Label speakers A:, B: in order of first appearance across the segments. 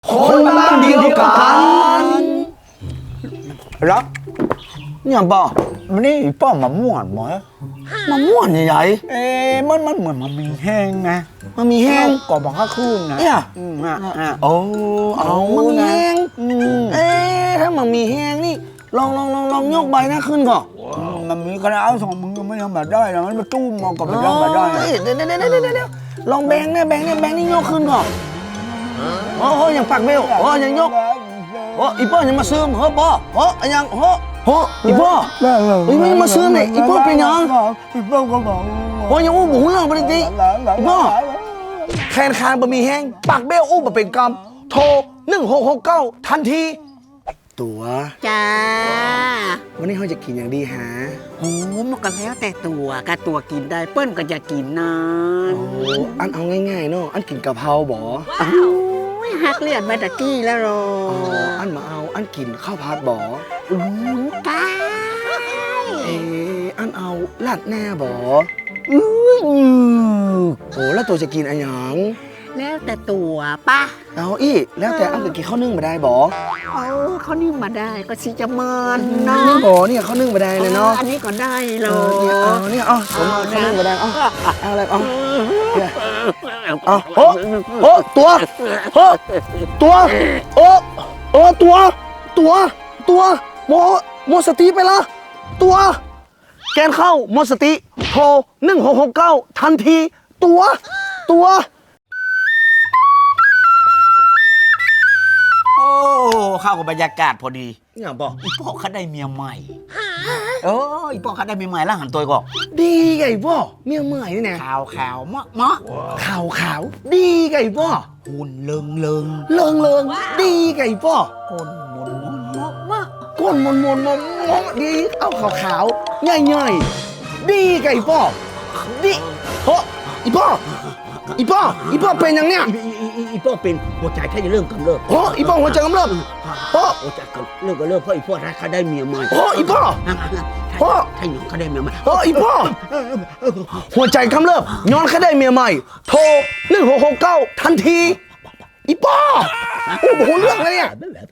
A: คนบ้านเดียวกันรักเนี่ยป่ะมันนี่ป้อมะม่วนมั้ยมะม่วนใหญ่ๆมันเหมือนมันมีแห้งนะมันมีแห้งก่อนบอกข้าคืนนะเนี่ยโอ้เอามันมีแห้งถ้ามันมีแห้งนี่ลองยกใบหน้าขึ้นก่อนมันมีกระดาษสองมือไม่ทำแบบได้นะมันมาตู้มองกับแบบได้เดี๋ยวลองแบงนี่ยกขึ้นก่อนโอ้ยังปักเบลโอ้ยังยกโอ้อีป้อยังมาซื้อเฮ้อป้อโอ้ยังโอ้อีป้อไม่มาซื้อเนี่ยอีป้อเป็นยังโอ้ยังอู้บุ๋งเรื่องปฏิทิอีป้อแคนคานบะหมี่แห้งปักเบลอู้บะเป็นกรรมโทร1669ทันทีตัว
B: จ้า
A: วันนี้เขาจะกินอย่างดีฮะ
B: โอ้มันก็แล้วแต่ตัวกะตัวกินได้เปิ้นก็จะกินนาน
A: อันเอาง่ายๆเนาะอันกินกะเพราบ่
B: หักเลือดมาตะกี้แล้วรอ
A: อันมาเอาอันกินข้าวผัดบ่
B: ตาย
A: อันเอาลาดแน่บ่โอ้แล้วตัวจะกินอะไรอย่าง
B: แล้วแต่ตัวป่ะ
A: เอาอี้แล้วแต่อันจะกินข้าวนึ่งมาได้บ่
B: เขานึ่งมาได้ก็สิจะมันเนาะ
A: บ่เนี่ยข้าวนึ่งมาได้เลยเนาะ
B: อันนี้ก็ได้เลย
A: เนี่ยผมข้าวนึ่งมาได้เอาอะไรโตัวหมดสติไปละตัวแกนเข้าหมดสติโทร1669ทันทีตัว
C: เข้ากับบรรยากาศพอดี
A: เนี่ยบอก
C: อีพ่อเขาได้เมียใหม่อีพ่อเขาได้เมียใหม่แล้วหันตัวก็
A: ดีไงพ่อเมียใหม่นี่นะ
C: ขาวมะ
A: ขาวดีไงพ่อ
C: หุ่นเลิง
A: ดีไงพ่อ
C: ก้นมน
A: ดีเอาขาวใหญ่ดีไงพ่อดีโอ้อีพ่อเป็นยังเนี่ย
C: อีพ่อเป็นหัวใจแค่จะเริ่มกำเริบ
A: อีพ่อหัวใจกำเริบ
C: หัวใจเริ่มเพราะอีพ่อเขาได้เมียใหม่
A: อีพ่อ
C: ถ้าหยองเขาได้เมียใหม่
A: อีพ่อหัวใจกำเริบย้อนเขาได้เมียใหม่โทร1669ทันทีอีพ่อโอ้โหเรื่องอะไรเนี่ย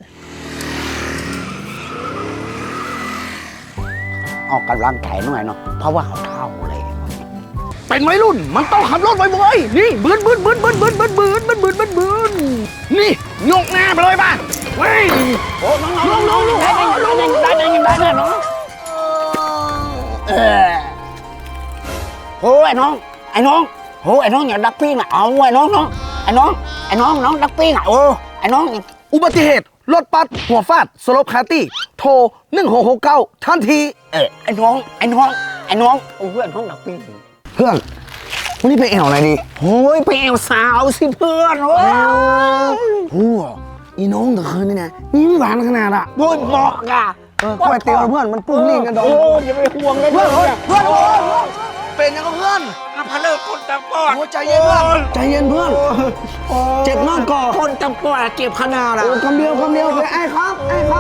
C: ออกกำลังกายหน่อยเนาะเพราะว่าเขาเท่าเลย
A: เป็นวัยรุ่นมันต้องขับรถบ่อยๆนี่บืนนี่ยกหน้าไปเลยป่ะเฮ้ย
C: โอ้น้องได้น้องโอ้ไอ้น้องอย่าดักปิ้งอ่ะเอาไอ้น้องดักปิ้งอ่ะไอ้น้อง
A: อุบัติเหตุรถปัดหัวฟาดสลบคาตี้โทร1669ทันที
C: ไอ้น้องเพื่อนน้องดักปิ้ง
A: เพื่อนวันนี้ไปแอวอะไรดี
C: โอ้ยไปแอวสาวสิเพื่อน
A: อีน้องตะคืนนี่นะนี่ไม่หวานขนาดอ่ะ
C: โอ้ยบอกอ่ะ
A: ค่อยเตียวเพื่อนมันปุ้งลิ่งกันดอง
C: อย่าไปห่วงเลย
A: เพื่อนเป็นยังไงเพื่อน
C: พะเลิกคนตาปอด
A: ใจเย็นเพื่อนเจ็บมากก่อ
C: คนตาปอดเจ็บขนาดอ่ะ
A: คำเดียวไอ้ครับ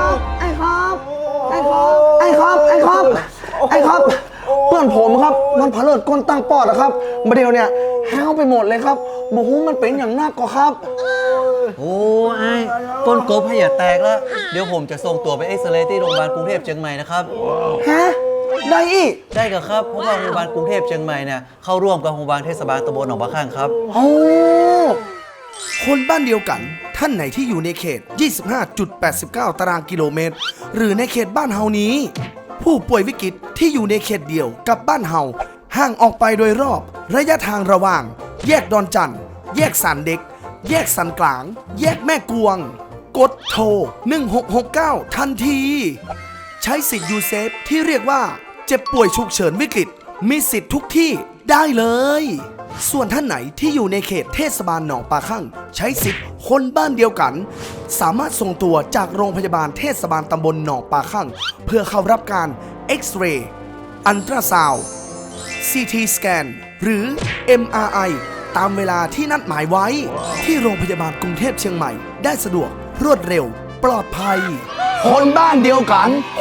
A: เพื่อนผมครับมันพะเลิดก้นตั้งปอดนะครับมาเดียวเนี่ยแห้วไปหมดเลยครับบอกว่ามันเป็นอย่างนักก็ครับ
D: โอ้ไอ้ก้นกบให้อย่าแตกแล้วเดี๋ยวผมจะส่งตัวไปเอ็กซเรย์ที่โรงพยาบาลกรุงเทพเชียงใหม่นะครับ
A: ฮะได้อีก
D: ได้กับครับเพราะว่าโรงพยาบาลกรุงเทพเชียงใหม่เนี่ยเข้าร่วมกับโรงพยาบาลเทศบาลตำบลหนองปลาข้างครับ
A: โอ้
E: คนบ้านเดียวกันท่านไหนที่อยู่ในเขต 25.89 ตารางกิโลเมตรหรือในเขตบ้านเฮานี้ผู้ป่วยวิกฤตที่อยู่ในเขตเดียวกับบ้านเฮาห่างออกไปโดยรอบระยะทางระหว่างแยกดอนจันทร์แยกสันเด็กแยกสันกลางแยกแม่กวงกดโทร1669ทันทีใช้สิทธิ์ยูเซฟที่เรียกว่าเจ็บป่วยฉุกเฉินวิกฤตมีสิทธิ์ทุกที่ได้เลยส่วนท่านไหนที่อยู่ในเขตเทศบาลหนองปลาคั่งใช้สิทธิ์คนบ้านเดียวกันสามารถส่งตัวจากโรงพยาบาลเทศบาลตำบลหนองปลาคั่งเพื่อเข้ารับการเอ็กซเรย์อัลตราซาวด์ CT สแกนหรือ MRI ตามเวลาที่นัดหมายไว้ที่โรงพยาบาลกรุงเทพเชียงใหม่ได้สะดวกรวดเร็วปลอดภัย
A: คนบ้านเดียว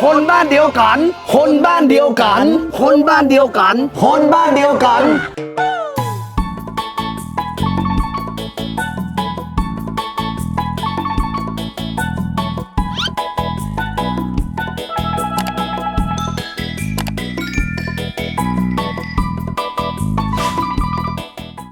A: กัน